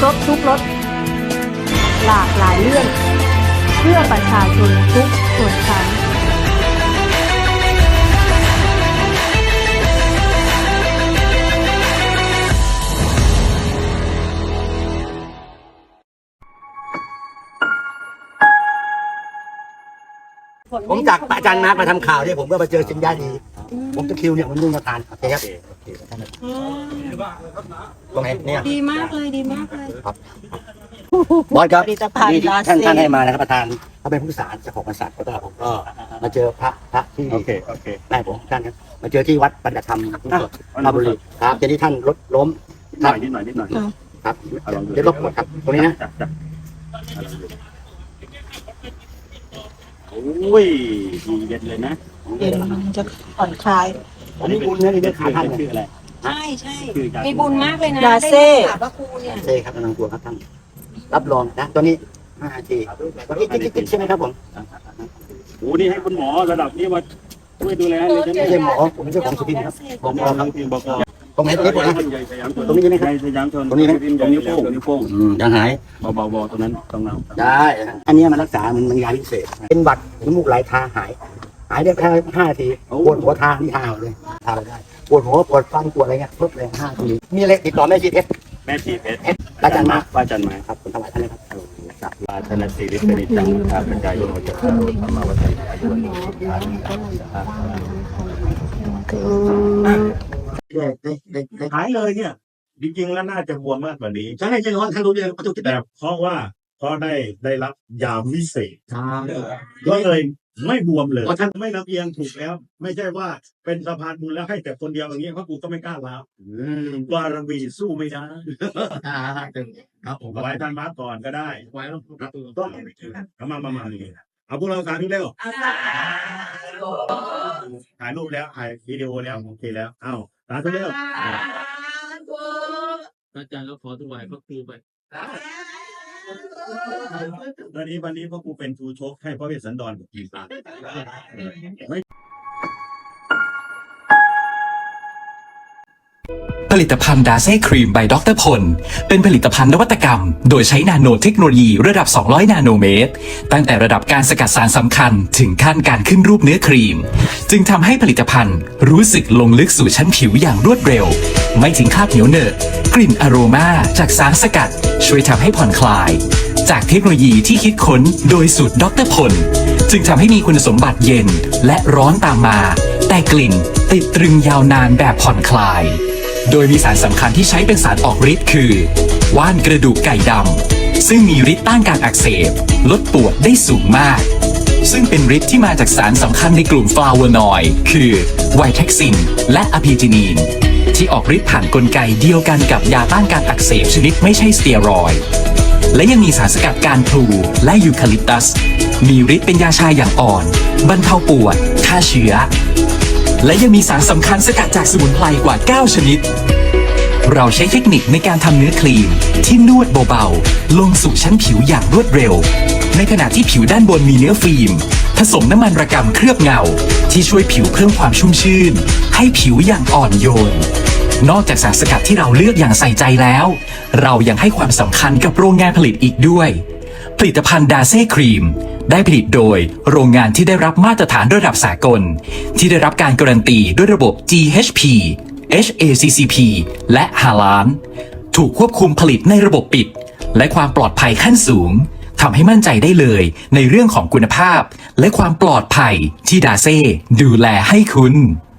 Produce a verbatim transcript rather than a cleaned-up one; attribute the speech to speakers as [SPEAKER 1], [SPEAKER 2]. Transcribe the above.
[SPEAKER 1] รบทุกรสหลากหลายเรื่องเพื่อประชาชนทุกส่วนชั้น
[SPEAKER 2] ผมจากอาจารย์มาร์คมาทำข่าวเนี่ยผมก็มาเจอสินค้าดีผมจะคิวเนี่ยมันมุ่งมาทานโอเคครับตรงไหนเนี่ย
[SPEAKER 3] ดีมากเลยดีมากเลย
[SPEAKER 2] ครับบอสครับ
[SPEAKER 3] ผลิตภัณฑ์
[SPEAKER 2] ที่
[SPEAKER 3] ลา
[SPEAKER 2] ท่าน
[SPEAKER 3] เซ่
[SPEAKER 2] ท่านให้มานะครับประธานเขาเป็นผู้สารเจ้าของบริษัทแล้วก็ผมก็มาเจอพระพระที่
[SPEAKER 4] โอเคโอเค
[SPEAKER 2] แม่ผมท่านครับมาเจอที่วัดปัญญธรรมราชบุรีครับเจอที่ท่านรถล้ม
[SPEAKER 4] หน่อยนิดหน่อยนิดหน่อย
[SPEAKER 2] ครับเดี๋ยวก็ปวดครับตรงนี้นะ
[SPEAKER 4] จับจับโอ้ยดีเด็ดเลยนะ
[SPEAKER 3] เย็นมันจะผ่อนคลาย
[SPEAKER 2] ผมมีบุญนะนี่เป็นขาท่าน
[SPEAKER 4] ชื่ออะไร
[SPEAKER 3] ใช่ใช่
[SPEAKER 4] ชื่อการ
[SPEAKER 3] มีบุญมากเลยนะ
[SPEAKER 1] ลาเซ่
[SPEAKER 3] ได้ถามว่าครูเนี่ย
[SPEAKER 2] เซ่ครับนังตัวครับท่านรับรองนะตัวนี้ห้าทีตัวนี้จิ๊กๆใช่ไหมครับผม
[SPEAKER 4] โอ้นี่ให้คุณหมอระดับนี้มาช่วยดูแลเลยจะ
[SPEAKER 2] ไม่
[SPEAKER 4] ไม่
[SPEAKER 2] ใช่หมอผมเป็นเจ้าของสุพินครับผม
[SPEAKER 4] บ
[SPEAKER 2] บอก
[SPEAKER 4] อก
[SPEAKER 2] ครับ
[SPEAKER 4] ทีมบอก
[SPEAKER 2] ตรงไหนตรงนี้ปวดนะ ตรงนี้ใช่ไหมครับ
[SPEAKER 4] สยามชน
[SPEAKER 2] ตรงนี้นะ
[SPEAKER 4] ตรงนิ้วโป้งนิ้วโป้ง
[SPEAKER 2] อืมยังหาย
[SPEAKER 4] เบาเบาเบาตรงนั้นตรงเรา
[SPEAKER 2] ได้ อันนี้มันรักษามันมันยาพิเศษ เป็นหวัดน้ำมูกไหลทาหาย หายได้แค่ห้าทีปวดหัวทานี่ทาเอาเลยทาได้ปวดหัวปวดฟันปวดอะไรเงี้ยครบเลยห้าทีมีอะไรติดต่อแม่ชีเพชร
[SPEAKER 4] แม่ชีเพชร
[SPEAKER 2] อาจารย์มา
[SPEAKER 4] อาจารย์มา
[SPEAKER 2] ครับผมถวายท่านเลยครับ
[SPEAKER 4] จากราชนสีริสนิจังข้าพเจ้าโยมจักรโรธรรมวัฒน์อายุวันสุขภาพหายเลยเนี่ยจริงๆแล้วน่าจะบวมมากกว่านี้
[SPEAKER 2] ใช่ใช่ร้อนท่านรู้เรื่องประตูติด
[SPEAKER 4] แต่เพราะว่าเพราะได้ได้รับยาวิเศษ
[SPEAKER 2] ใช่
[SPEAKER 4] ก็เลยไม่บวมเลยเพราะท่านไม่ลำเอียงถูกแล้ว ไม่ใช่ว่าเป็นสะพานบุญแล้วให้แต่คนเดียวอย่างนี้เพราะกูก็ไม่กล้าแล้วบารมีสู้ไม่ได้
[SPEAKER 2] ครับผม
[SPEAKER 4] ไว้ท่านมาก่อนก็ได้
[SPEAKER 2] ไว้แล้วครับ
[SPEAKER 4] ต้องเอามามามานี่เอาพวกเราสาธุเร็วถ่ายรูปแล้วถ่ายวิดีโอแล้วโอเคแล้วเอ้าสาธุเร็ว
[SPEAKER 5] อาจารย์ก็ขอถวายพระครูไป
[SPEAKER 4] วันนี้วันนี้พ่อครูเป็นครูชกให้พระเวสสันดรกับกีฬาไม่
[SPEAKER 6] ผลิตภัณฑ์ดาเซ่ครีม by ดรพลเป็นผลิตภัณฑ์นวัตกรรมโดยใช้นาโนเทคโนโลยีระดับ สองร้อย นาโนเมตร ตั้งแต่ระดับการสกัดสารสำคัญถึงขั้นการขึ้นรูปเนื้อครีม จึงทำให้ผลิตภัณฑ์รู้สึกลงลึกสู่ชั้นผิวอย่างรวดเร็ว ไม่ถึงคราบเหนียวเหนอะกลิ่นอโรมาจากสารสกัดช่วยทำให้ผ่อนคลาย จากเทคโนโลยีที่คิดค้นโดยสูตรดรพลจึงทำให้มีคุณสมบัติเย็นและร้อนตามมา แต่กลิ่นติดตรึงยาวนานแบบผ่อนคลายโดยมีสารสำคัญที่ใช้เป็นสารออกฤทธิ์คือว่านกระดูกไก่ดำซึ่งมีฤทธิ์ต้านการอักเสบลดปวดได้สูงมากซึ่งเป็นฤทธิ์ที่มาจากสารสำคัญในกลุ่มฟลาโวนอยด์คือไวเท็กซินและอะพิจินีนที่ออกฤทธิ์ผ่านกลไกเดียวกันกับยาต้านการอักเสบชนิดไม่ใช่สเตียรอยด์และยังมีสารสกัดการพลูและยูคาลิปตัสมีฤทธิ์เป็นยาชาอย่างอ่อนบรรเทาปวดฆ่าเชื้อและยังมีสารสำคัญสกัดจากสมุนไพรกว่าเก้าชนิดเราใช้เทคนิคในการทำเนื้อครีมที่นวดเบาๆลงสู่ชั้นผิวอย่างรวดเร็วในขณะที่ผิวด้านบนมีเนื้อฟิล์มผสมน้ำมันระกำเคลือบเงาที่ช่วยผิวเพิ่มความชุ่มชื่นให้ผิวอย่างอ่อนโยนนอกจากสารสกัดที่เราเลือกอย่างใส่ใจแล้วเรายังให้ความสำคัญกับโรงงานผลิตอีกด้วยผลิตภัณฑ์ดาเซ่ครีมได้ผลิตโดยโรงงานที่ได้รับมาตรฐานระดับสากลที่ได้รับการการันตีด้วยระบบ จี เอช พี เอช เอ ซี ซี พี และฮาลาลถูกควบคุมผลิตในระบบปิดและความปลอดภัยขั้นสูงทำให้มั่นใจได้เลยในเรื่องของคุณภาพและความปลอดภัยที่ดาเซ่ดูแลให้คุณ